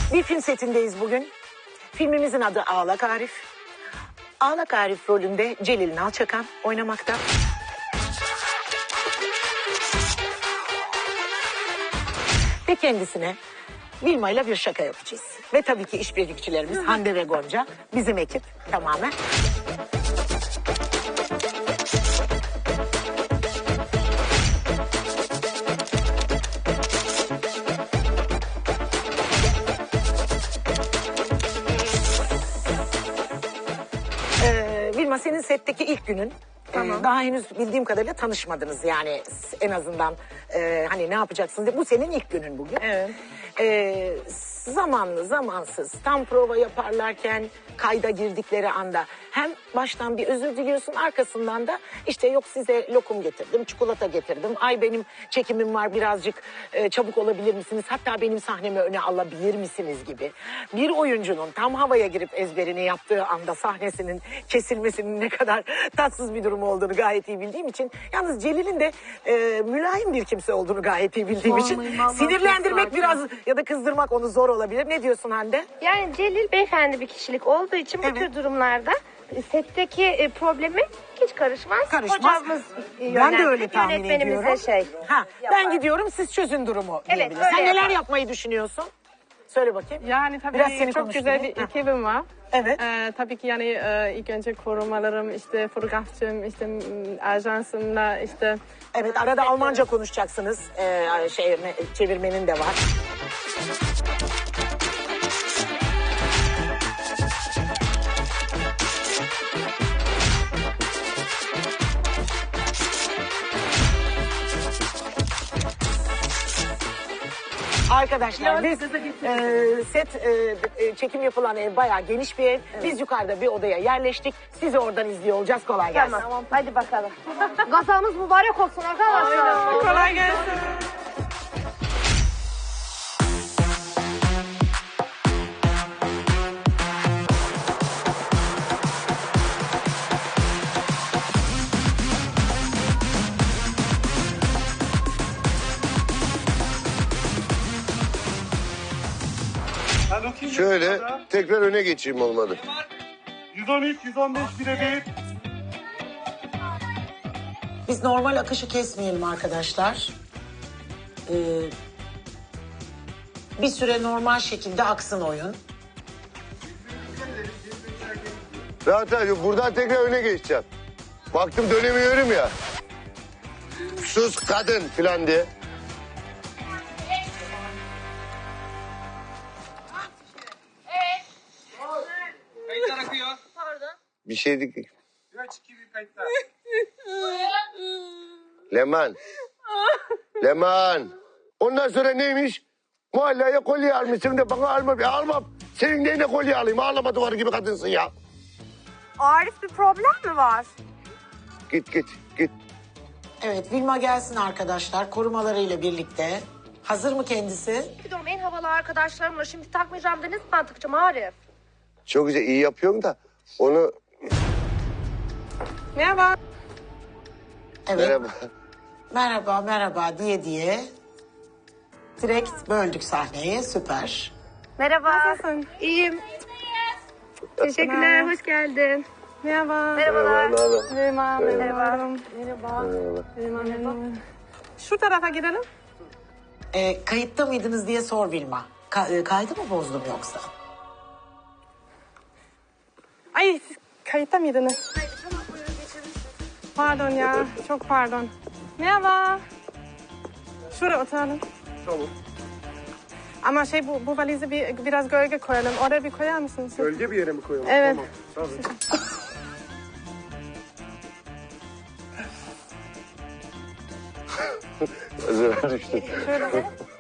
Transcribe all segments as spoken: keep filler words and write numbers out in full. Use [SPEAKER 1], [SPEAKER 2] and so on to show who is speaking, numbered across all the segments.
[SPEAKER 1] Bir film setindeyiz bugün. Filmimizin adı Ağlak Arif. Ağlak Arif rolünde Celil Nalçakan oynamakta. Ve kendisine Vilma ile bir şaka yapacağız. Ve tabii ki işbirlikçilerimiz Hande ve Gonca, bizim ekip tamamen. Ee, Vilma, senin setteki ilk günün.
[SPEAKER 2] Tamam.
[SPEAKER 1] Ee, daha henüz bildiğim kadarıyla tanışmadınız yani en azından e, hani ne yapacaksınız diye. Bu senin ilk günün bugün.
[SPEAKER 2] Evet.
[SPEAKER 1] Ee, zamanlı zamansız tam prova yaparlarken kayda girdikleri anda hem baştan bir özür diliyorsun, arkasından da işte yok size lokum getirdim, çikolata getirdim, ay benim çekimim var birazcık e, çabuk olabilir misiniz, hatta benim sahnemi öne alabilir misiniz gibi. Bir oyuncunun tam havaya girip ezberini yaptığı anda sahnesinin kesilmesinin ne kadar tatsız bir durum olduğunu gayet iyi bildiğim için, yalnız Celil'in de e, mülayim bir kimse olduğunu gayet iyi bildiğim için
[SPEAKER 2] Vallahi, vallahi
[SPEAKER 1] sinirlendirmek
[SPEAKER 2] çok
[SPEAKER 1] biraz ya da kızdırmak onu zor olabilir. Ne diyorsun Hande?
[SPEAKER 3] Yani Celil beyefendi bir kişilik olduğu için bu
[SPEAKER 1] Evet.
[SPEAKER 3] tür durumlarda setteki e, problemi hiç karışmaz.
[SPEAKER 1] Karışmaz.
[SPEAKER 3] Hocamız
[SPEAKER 1] Ben
[SPEAKER 3] e,
[SPEAKER 1] de
[SPEAKER 3] yönet-
[SPEAKER 1] öyle tahmin
[SPEAKER 3] yönetmenimize
[SPEAKER 1] ediyorum.
[SPEAKER 3] şey
[SPEAKER 1] Ha, ben
[SPEAKER 3] yapar.
[SPEAKER 1] gidiyorum, siz çözün durumu
[SPEAKER 3] Evet,
[SPEAKER 1] diyebiliriz.
[SPEAKER 3] öyle
[SPEAKER 1] Sen neler
[SPEAKER 3] yapar.
[SPEAKER 1] yapmayı düşünüyorsun? Söyle bakayım.
[SPEAKER 2] Yani tabii
[SPEAKER 1] Biraz seni
[SPEAKER 2] çok güzel bir
[SPEAKER 1] konuşturayım. Ha.
[SPEAKER 2] ekibim var.
[SPEAKER 1] Evet.
[SPEAKER 2] Ee, tabii ki yani e, ilk önce korumalarım, işte fotoğrafçım, işte m, ajansımla işte...
[SPEAKER 1] Evet, arada Almanca konuşacaksınız. Ee, şey, çevirmenin de var. Arkadaşlar biz e, set e, e, çekim yapılan ev bayağı geniş bir ev. Biz yukarıda bir odaya yerleştik. Sizi oradan izliyor olacağız. Kolay gelsin.
[SPEAKER 3] Tamam. Hadi bakalım. Gazamız mübarek olsun arkadaşlar.
[SPEAKER 2] Kolay gelsin.
[SPEAKER 4] Şöyle tekrar öne geçeyim olmadı.
[SPEAKER 5] yüz on üç, yüz on beş birebir.
[SPEAKER 1] Biz normal akışı kesmeyelim arkadaşlar. Ee, bir süre normal şekilde aksın oyun.
[SPEAKER 4] Rahat rahat buradan tekrar öne geçeceğim. Baktım dönemiyorum ya. Sus kadın falan diye.
[SPEAKER 5] Kayıtlar akıyor.
[SPEAKER 4] Bir şey değil.
[SPEAKER 5] Bir aç iki bir kayıtlar.
[SPEAKER 4] Leman. Leman. Ondan sonra neymiş? Mahalleye kolye almışsın da bana alma. Ya almam. Senin neyine kolye alayım? Ağlama duvarı gibi kadınsın ya.
[SPEAKER 3] Arif bir problem mi var?
[SPEAKER 4] Git git git.
[SPEAKER 1] Evet, Vilma gelsin arkadaşlar korumalarıyla birlikte. Hazır mı kendisi?
[SPEAKER 3] Gidiyorum en havalı arkadaşlarımla şimdi takmayacağım da ne zaman takacağım Arif?
[SPEAKER 4] Çok güzel iyi yapıyorum da onu...
[SPEAKER 2] Merhaba.
[SPEAKER 1] Evet.
[SPEAKER 4] Merhaba.
[SPEAKER 1] Merhaba, merhaba diye diye. Direkt böldük sahneyi, süper.
[SPEAKER 3] Merhaba.
[SPEAKER 2] Nasılsın?
[SPEAKER 3] İyiyim. Teşekkürler,
[SPEAKER 2] Merhaba.
[SPEAKER 3] hoş geldin.
[SPEAKER 2] Merhaba.
[SPEAKER 3] Merhabalar.
[SPEAKER 4] Merhaba.
[SPEAKER 2] Merhaba. Merhaba.
[SPEAKER 3] Merhaba.
[SPEAKER 2] Merhaba. Merhaba. Şu tarafa gidelim.
[SPEAKER 1] Ee, kayıtta mıydınız diye sor Vilma. Ka- e, kaydı mı bozdum yoksa?
[SPEAKER 2] Ay siz kayıtta mıydınız? Pardon ya. Çok pardon. Merhaba. Şuraya oturalım.
[SPEAKER 5] Tamam.
[SPEAKER 2] Ama şey bu, bu valizi bir, biraz gölge koyalım. Oraya bir koyar mısınız?
[SPEAKER 5] Gölge bir yere mi koyalım?
[SPEAKER 2] Evet.
[SPEAKER 5] Tamam. Tabii.
[SPEAKER 4] Özür düştüm.
[SPEAKER 2] Şöyle.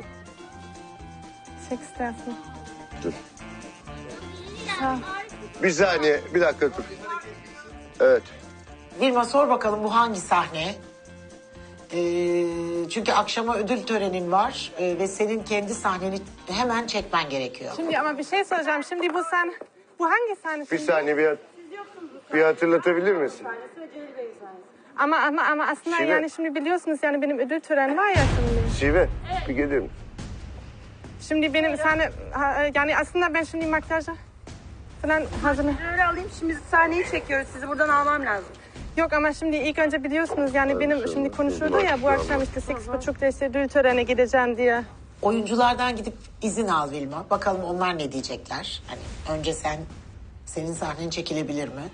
[SPEAKER 2] Çek istersin.
[SPEAKER 4] Dur.
[SPEAKER 2] Tamam.
[SPEAKER 4] Bir saniye bir dakika dur. Evet.
[SPEAKER 1] Vilma sor bakalım bu hangi sahne? Ee, çünkü akşama ödül törenin var ee, ve senin kendi sahneni hemen çekmen gerekiyor.
[SPEAKER 2] Şimdi ama bir şey soracağım. Şimdi bu sen... Bu hangi sahne?
[SPEAKER 4] Bir
[SPEAKER 2] şimdi?
[SPEAKER 4] saniye bir, bir hatırlatabilir misin?
[SPEAKER 2] Ama ama ama aslında
[SPEAKER 4] Şive.
[SPEAKER 2] yani şimdi biliyorsunuz yani benim ödül töreni var ya şimdi.
[SPEAKER 4] Şive bir gelir misin?
[SPEAKER 2] Şimdi benim sahne, ha, yani aslında ben şimdi makyaja falan hazırım.
[SPEAKER 6] Öyle alayım, şimdi sahneyi çekiyoruz. Sizi buradan almam lazım.
[SPEAKER 2] Yok ama şimdi ilk önce biliyorsunuz yani benim şimdi konuşuyordu ya bu akşam işte sekiz buçukta işte ödül törene gideceğim diye.
[SPEAKER 1] Oyunculardan gidip izin al Vilma. Bakalım onlar ne diyecekler. Hani önce sen, senin sahnen çekilebilir mi?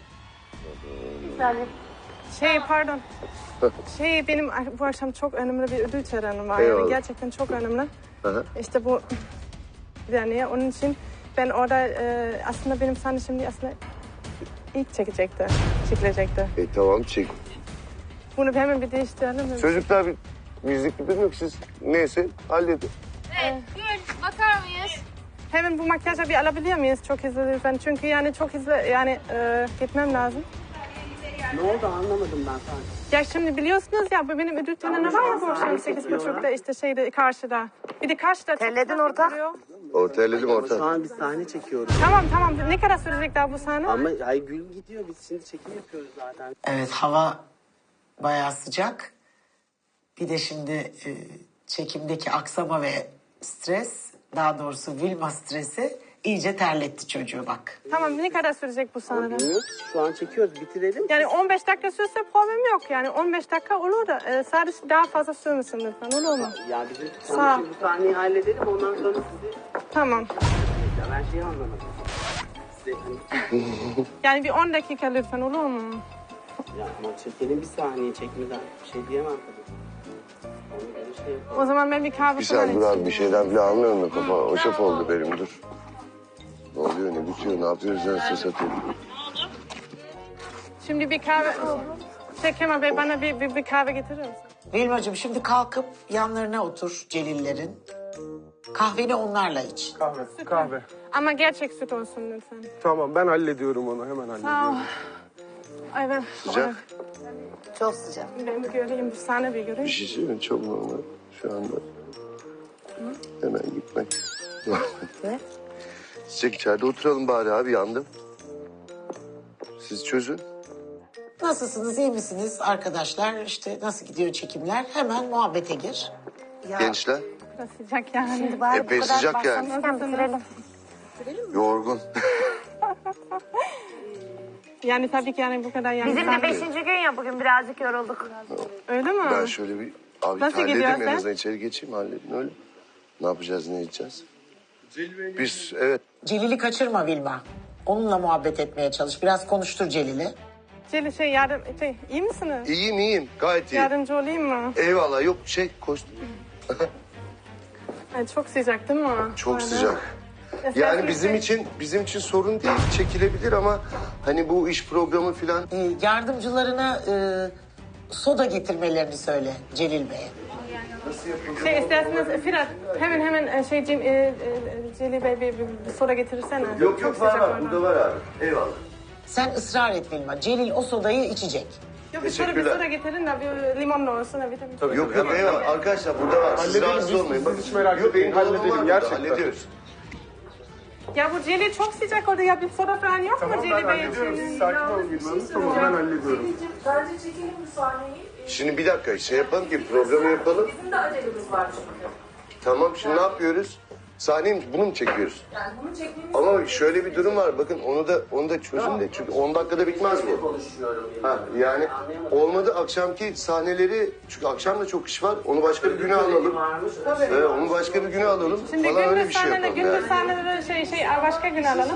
[SPEAKER 2] Şey pardon. Şey benim bu akşam çok önemli bir ödül töreni var.
[SPEAKER 4] Eyvallah.
[SPEAKER 2] Yani gerçekten çok önemli.
[SPEAKER 4] Aha.
[SPEAKER 2] İşte bu yani onun için ben orada e, aslında benim sahne şimdi aslında ilk çekecekti. Çekilecekti.
[SPEAKER 4] E tamam çek.
[SPEAKER 2] Bunu hemen bir değiştirelim mi?
[SPEAKER 4] Çocuklar bir bizlik bir durum yok. Siz neyse halledin.
[SPEAKER 3] Evet, Gül bakar mıyız?
[SPEAKER 2] Hemen bu makyajı bir alabilir miyiz? Çok hızlı lütfen. Çünkü yani çok hızlı yani e, gitmem lazım.
[SPEAKER 5] Ne oldu anlamadım ben sana.
[SPEAKER 2] Ya şimdi biliyorsunuz ya bu benim ödül töreni var ya bu akşam sekiz buçukta işte şeyde karşıda. Bir de karşıda.
[SPEAKER 6] Terledin orta.
[SPEAKER 4] Ortaladım
[SPEAKER 5] Şu
[SPEAKER 4] orta.
[SPEAKER 5] an biz sahne çekiyoruz.
[SPEAKER 2] Tamam tamam. Ne kadar sürecek daha bu sahne?
[SPEAKER 5] Ama ay Gül gidiyor. Biz şimdi çekim yapıyoruz zaten.
[SPEAKER 1] Evet, hava bayağı sıcak. Bir de şimdi e, çekimdeki aksama ve stres, daha doğrusu Vilma stresi iyice terletti çocuğu bak.
[SPEAKER 2] Tamam ne kadar sürecek bu sahne?
[SPEAKER 5] Bilmiyoruz. Şu an çekiyoruz. Bitirelim.
[SPEAKER 2] Yani on beş dakika sürse problem yok. Yani on beş dakika olur da e, sadece daha fazla sürmesin lütfen olur mu?
[SPEAKER 5] Ya bizim
[SPEAKER 2] Sağ ol.
[SPEAKER 5] şimdi bu sahneyi halledelim. Ondan sonra sizi...
[SPEAKER 2] Tamam.
[SPEAKER 5] Ya ben şeyi anlamadım. Size hani...
[SPEAKER 2] Yani bir on dakika lütfen olur mu?
[SPEAKER 5] Ya ama çekelim bir sahneyi çekmeden. Bir şey diyemem tabii. Onu öyle şey yapalım.
[SPEAKER 2] O zaman ben bir kahve
[SPEAKER 4] Bir
[SPEAKER 2] falan
[SPEAKER 4] sen dur abi
[SPEAKER 2] içeyim.
[SPEAKER 4] bir şeyden bile anlamıyorum da kafa o şaf oldu benim dur. Ne oluyor ne bitiyor ne yapıyoruz ben ses atıyorum.
[SPEAKER 2] Şimdi bir kahve... Şey Kemal Bey bana bir, bir, bir kahve getirir misin?
[SPEAKER 1] Vilmacığım şimdi kalkıp yanlarına otur Celillerin. Kahveni onlarla iç.
[SPEAKER 7] Kahve, kahve.
[SPEAKER 2] Ama gerçek süt olsun lütfen.
[SPEAKER 7] Tamam ben hallediyorum onu hemen
[SPEAKER 2] Sağ ol.
[SPEAKER 7] hallediyorum.
[SPEAKER 2] Ay ben...
[SPEAKER 4] Sıcak.
[SPEAKER 6] Çok sıcak.
[SPEAKER 2] Ben bir göreyim, bir sahne bir göreyim.
[SPEAKER 4] Bir şey söyleyeyim mi? Çok normal şu anda. Hemen gitmek.
[SPEAKER 6] Ne?
[SPEAKER 4] Çiçek içeride oturalım bari abi yandım. Siz çözün.
[SPEAKER 1] Nasılsınız, iyi misiniz arkadaşlar? İşte nasıl gidiyor çekimler? Hemen muhabbete gir.
[SPEAKER 4] Gençler
[SPEAKER 2] Biraz sıcak yani.
[SPEAKER 4] epey sıcak yani.
[SPEAKER 3] Bitirelim.
[SPEAKER 4] Yorgun.
[SPEAKER 2] Yani tabii ki yani bu kadar yani.
[SPEAKER 3] Bizim de
[SPEAKER 2] sahne-
[SPEAKER 3] beşinci gün ya bugün birazcık yorulduk.
[SPEAKER 2] Öyle mi?
[SPEAKER 4] Ben şöyle bir abi
[SPEAKER 2] Nasıl
[SPEAKER 4] halledeyim
[SPEAKER 2] gidiyor
[SPEAKER 4] en
[SPEAKER 2] sen?
[SPEAKER 4] azından içeri geçeyim halledin öyle. Ne yapacağız ne edeceğiz? Biz evet
[SPEAKER 1] Celil'i kaçırma Vilma. Onunla muhabbet etmeye çalış. Biraz konuştur Celil'i.
[SPEAKER 2] Celil şey yardım... Şey, iyi misiniz?
[SPEAKER 4] iyiyim iyiyim gayet iyi.
[SPEAKER 2] Yardımcı olayım mı?
[SPEAKER 4] Eyvallah yok şey koş.
[SPEAKER 2] Ay, çok sıcak değil mi?
[SPEAKER 4] Çok
[SPEAKER 2] Böyle.
[SPEAKER 4] sıcak.
[SPEAKER 2] Esas
[SPEAKER 4] Yani
[SPEAKER 2] bir
[SPEAKER 4] bizim
[SPEAKER 2] şey-
[SPEAKER 4] için bizim için sorun değil çekilebilir ama hani bu iş programı filan
[SPEAKER 1] Ee, yardımcılarına e, soda getirmelerini söyle Celil Bey'e.
[SPEAKER 2] Şey isterseniz Firat hemen hemen e, şey Cem, e, e, Celil Bey bir, bir, bir soda getirirsene.
[SPEAKER 4] yok
[SPEAKER 2] Çok
[SPEAKER 4] yok var
[SPEAKER 2] sıcak
[SPEAKER 4] var
[SPEAKER 2] orada.
[SPEAKER 4] burada var abi. Eyvallah.
[SPEAKER 1] Sen ısrar et Vilma. Celil o sodayı içecek.
[SPEAKER 2] Yok bir soda, bir
[SPEAKER 4] Teşekkürler.
[SPEAKER 2] soda getirin de bir limonlu olsun. da vitamin.
[SPEAKER 4] Yok yok eyvallah arkadaşlar burada var. Siz
[SPEAKER 7] Halledelim,
[SPEAKER 4] rahatsız
[SPEAKER 7] biz-
[SPEAKER 4] olmayın.
[SPEAKER 7] siz
[SPEAKER 4] Bakın,
[SPEAKER 7] hiç merak
[SPEAKER 4] yok,
[SPEAKER 7] etmeyin,
[SPEAKER 4] benim dolabım
[SPEAKER 7] halledelim,
[SPEAKER 4] var burada,
[SPEAKER 7] gerçekten.
[SPEAKER 4] Hallediyoruz.
[SPEAKER 2] Ya bu Celil çok sıcak orada ya bir soda falan yok
[SPEAKER 7] Tamam
[SPEAKER 2] mu
[SPEAKER 7] ben
[SPEAKER 2] Celil Bey
[SPEAKER 7] hallediyorum.
[SPEAKER 2] için?
[SPEAKER 7] Siz sakin olun Gülman'ım. Tamam ben hallediyorum.
[SPEAKER 4] Şimdi bir dakika şey yapalım ki programı yapalım. Bizim de acelemiz var çünkü. Tamam şimdi ne yapıyoruz? Sahneyi mi- bunu mu çekiyoruz? Yani bunu çekmemiz Ama şöyle bir durum var. Bakın onu da onu da çözün de çünkü on dakikada bitmez bu. Ha, yani olmadı akşamki sahneleri çünkü akşam da çok iş var. Onu başka bir güne alalım. Evet, onu başka bir güne alalım.
[SPEAKER 2] Şimdi
[SPEAKER 4] falan öyle bir
[SPEAKER 2] gündüz
[SPEAKER 4] şey
[SPEAKER 2] sahneleri,
[SPEAKER 4] yapalım.
[SPEAKER 2] gündüz
[SPEAKER 4] Yani.
[SPEAKER 2] sahneleri şey şey başka gün alalım.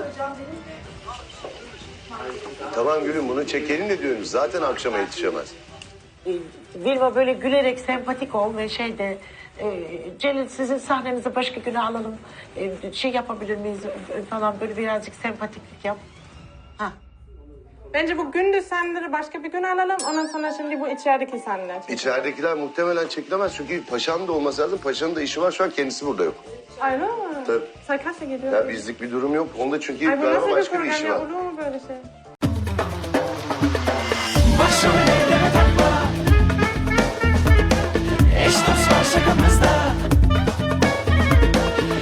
[SPEAKER 4] Tamam gülüm bunu çekelim de diyorum. Zaten akşama yetişemez.
[SPEAKER 1] Ee, Vilma böyle gülerek sempatik ol ve şey de e, Celil sizin sahnenizi başka güne alalım. E, şey yapabilir miyiz e, falan böyle birazcık sempatiklik yap. Ha.
[SPEAKER 2] Bence bu gündüz sahneleri başka bir gün alalım. Ondan sonra şimdi bu içerideki sahneler.
[SPEAKER 4] İçeridekiler muhtemelen çekilemez çünkü paşanın da olması lazım. Paşanın da işi var şu an kendisi burada yok.
[SPEAKER 2] Öyle mi?
[SPEAKER 4] Tabii.
[SPEAKER 2] Sen kaçta gidiyor?
[SPEAKER 4] Ya bizlik bir durum yok. Onda çünkü
[SPEAKER 2] Ay bu
[SPEAKER 4] galiba
[SPEAKER 2] nasıl bir
[SPEAKER 4] başka bir
[SPEAKER 2] program
[SPEAKER 4] işi
[SPEAKER 2] ya?
[SPEAKER 4] var.
[SPEAKER 2] Olur mu böyle şey?
[SPEAKER 8] Başım ellere takma. Eş dost var şakamızda.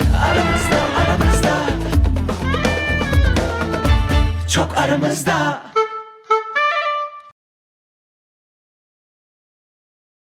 [SPEAKER 8] Aramızda aramızda. Çok aramızda.